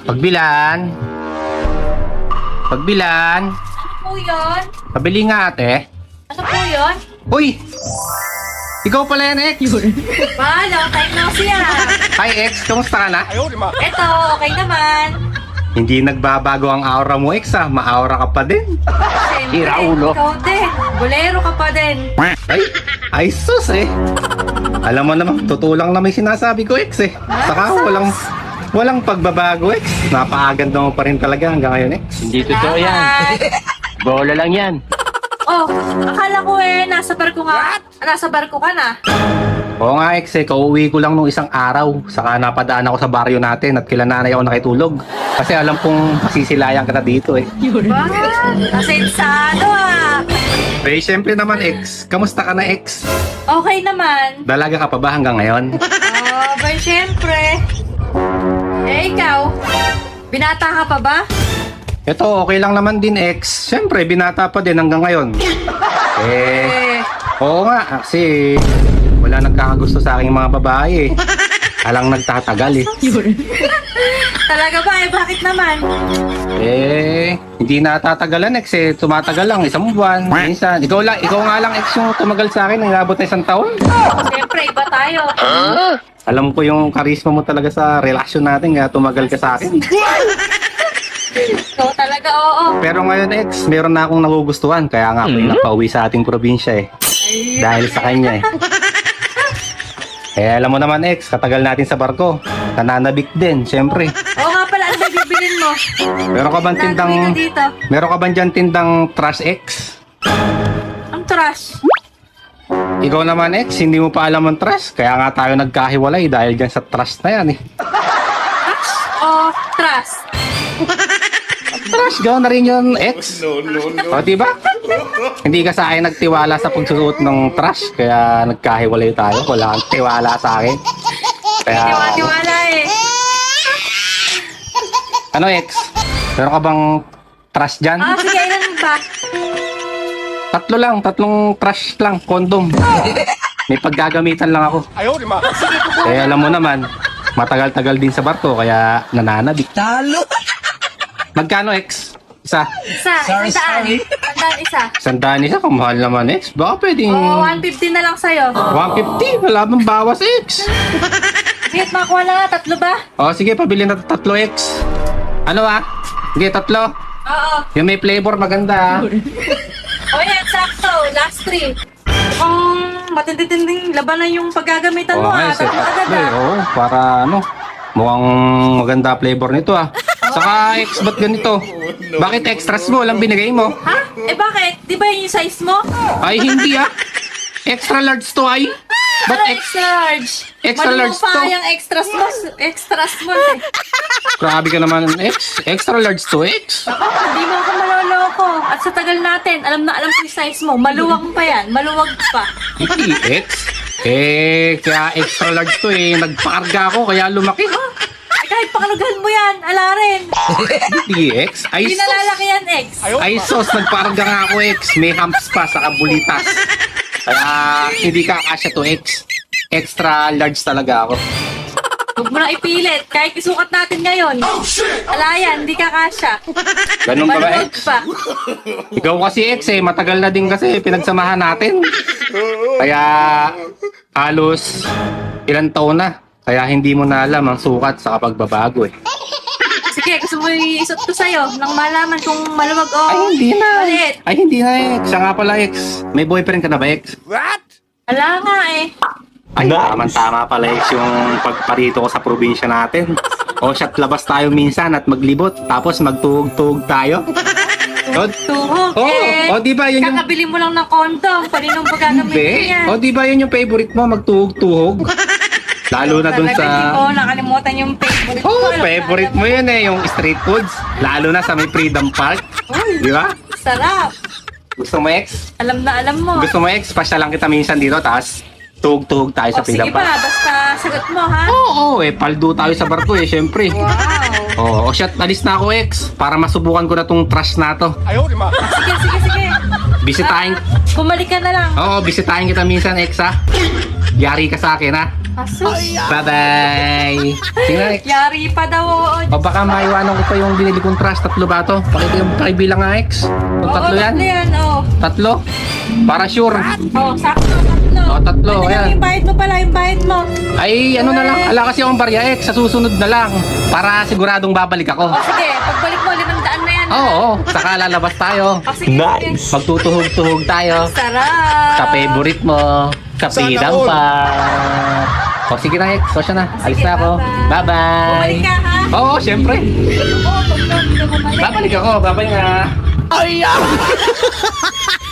Pagbilan. Pagbilan. Ano po yun? Pabili nga ate. Ano po yun? Uy! Ikaw pala yan, X. Ba, long time no see ah. Hi, X. Kamusta ka na? Eto, okay naman. Hindi nagbabago ang aura mo, X, ah. Maaura ka pa din. Siyempre, Tira ulo. ikaw din. Bolero ka pa din. Ay sus, eh. Alam mo naman, totoo lang na may sinasabi ko, X, eh. Saka walang pagbabago, X. Napakaganda mo pa rin talaga hanggang ngayon, X. Hindi totoo yan. Salamat. Bola lang yan. Oh, akala ko nasa barko nga. Nasa barko ka na. Oo nga, X, eh. Kauwi ko lang nung isang araw. Saka napadaan ako sa baryo natin at kila nanay ako nakitulog. Kasi alam kong masisilayan ka na dito, eh. Ba, asensado ah. Eh, syempre naman, X. Kamusta ka na, X? Okay naman. Dalaga ka pa ba hanggang ngayon? Oh, ba, syempre. Ikaw, binata ka pa ba? Ito, okay lang naman din, X. Syempre, binata pa din hanggang ngayon. Oo nga, kasi wala nagkakagusto sa aking mga babae, eh. Alang nagtatagal, eh. Talaga ba? Bakit naman? Hindi natatagalan, X, eh. Tumatagal lang, isang buwan, minsan. Ikaw nga lang, X, yung tumagal sa akin, nangabot na isang taon. Siyempre, iba tayo. Alam ko yung karisma mo talaga sa relasyon natin, kaya tumagal ka sa akin. Ikaw talaga, oo. Pero ngayon, X, meron na akong nagugustuhan, kaya nga ako yung napauwi sa ating probinsya, eh. Dahil sa kanya, eh. Alam mo naman, X, katagal natin sa barko. Nananabik din, syempre. Oo nga pala, ano ba bibilin mo? Meron ka bang tindang... Nagawin ka dito. Meron ka bang dyan tindang trash X? Ang trash. Ikaw naman, X, hindi mo pa alam ang trash. Kaya nga tayo nagkahiwalay dahil dyan sa trash na yan, eh. Trash o trust? Trash, gawin na rin yun, X. O, diba? Hindi ka sa akin nagtiwala sa pagsusuot ng trash. Kaya nagkahiwalay tayo. Wala kang tiwala sa akin. Kaya... Tiwala eh. Ano, X? Meron ka bang trash dyan? Sige, ilan ba? Tatlo lang, tatlong trash lang, condom. May paggagamitan lang ako. Alam mo naman, matagal-tagal din sa barko, kaya nananabik. Talo! Magkano, X? Isa? Sandaan isa. Sandaan isa, kamahal naman, X. Baka pwedeng... Oo, 150 na lang sa'yo. 150, wala bang bawas, X? Sige, makuha na nga, tatlo ba? O, sige, pabili na tatlo, X. Ano, ah? Sige, tatlo. Oo. Yung may flavor, maganda, ah. O yan, sakto. Last 3. Mukhang matindi-tinding labanan yung paggagamitan mo nga, Tatlo agad tatlo, eh. Oo, para ano, mukhang maganda flavor nito, ah. Saka, X, ba't ganito? Bakit extras mo? Walang binigay mo? Ha? Bakit? Di ba yun yung size mo? Ay, hindi, ah. Extra large to, ay. Ba't Ano extra large? extra large pa to? yung extras mo eh. Grabe ka naman, X. Extra large to, X. Hindi mo ako maloloko. At sa tagal natin, alam na alam ko yung size mo. Maluwag pa yan. Maluwag pa. Hindi, X. Kaya extra large to, eh. Nagpakarga ako, kaya lumaki. Kahit pakalugan mo yan, ala rin. Hindi, X. Ay, Hindi sos. nalalaki yan, X. Ay, sos. Nagpakarga nga ako, X. May humps pa sa kabulitas. Kaya, hindi ka kasya to, X. Extra large talaga ako. Huwag mo na ipilit. Kahit isukat natin ngayon. Ala yan, hindi ka kasya. Ganun ba ba, Maluwag X? pa. Ikaw kasi, X, eh. Matagal na din kasi pinagsamahan natin. Kaya, halos ilang taon na. Kaya hindi mo na alam ang sukat sa pagbabago, eh. Sige, gusto mo iisot ko sa'yo nang malaman kung maluwag o Ay, hindi na. maliit. Ay, hindi na, X. Siya nga pala, X. May boyfriend ka na ba, X? Ala nga eh. Ay, tama pala, X, yung pagparito ko sa probinsya natin. O, shot labas tayo minsan at maglibot. Tapos magtuhog-tuhog tayo. Tuhog O, di ba yun yung... kakabili mo lang ng kondom. Paninong pagagamitin Hindi. yan? O, di ba yun yung favorite mo, magtuhog-tuhog? Lalo na dun Talaga, sa... Hindi ko nakalimutan yung favorite ko. Oh, Alam favorite na mo yun eh, yung street foods. Lalo na sa may Freedom Park. Di ba? Sarap. Gusto mo, X? Alam na alam mo. Gusto mo, X? Pasya lang kita minsan dito, tapos tuhog-tuhog tayo sa Sige Freedom ba, Park. basta sagot mo ha. Oo, paldo tayo sa barko eh, syempre. Wow. Oo, shot, alis na ako, X. Para masubukan ko na tong trash na to. Sige. Bisitahin. Bumalik ka na lang. Oo, bisitahin kita minsan, Ex, ha? Yari ka sa akin, ha? Asus. Bye-bye. Tingnan, Ex. Yari pa daw. Oo, O baka maiwanan ko pa yung binili kong trash. 3 ba to? Pakita yung pakibilang nga, Ex. Kung 3 yan? tatlo yan, oo. 3? Para sure. Oo, sakto, tatlo. Oo, 3, Ano ayan. yung bayad mo pala, yung bayad mo. Ay, ano na lang. Ala kasi akong barya, Ex. Sa susunod na lang. Para siguradong babalik ako. O sige, pagbalik mo, 500 na yan. Oo, saka lalabas tayo. O sige, nice. Magtutuhog-tuhog tayo. Sarap. Sa favorite mo. Sa pidang pa. O sige na, Ex. O siya na. Alis Sige, na ako. bye-bye. Bye-bye. Bumalik ka, ha? Oo, syempre. Oo, pag bumalik. Babalik ako. Bye-bye nga.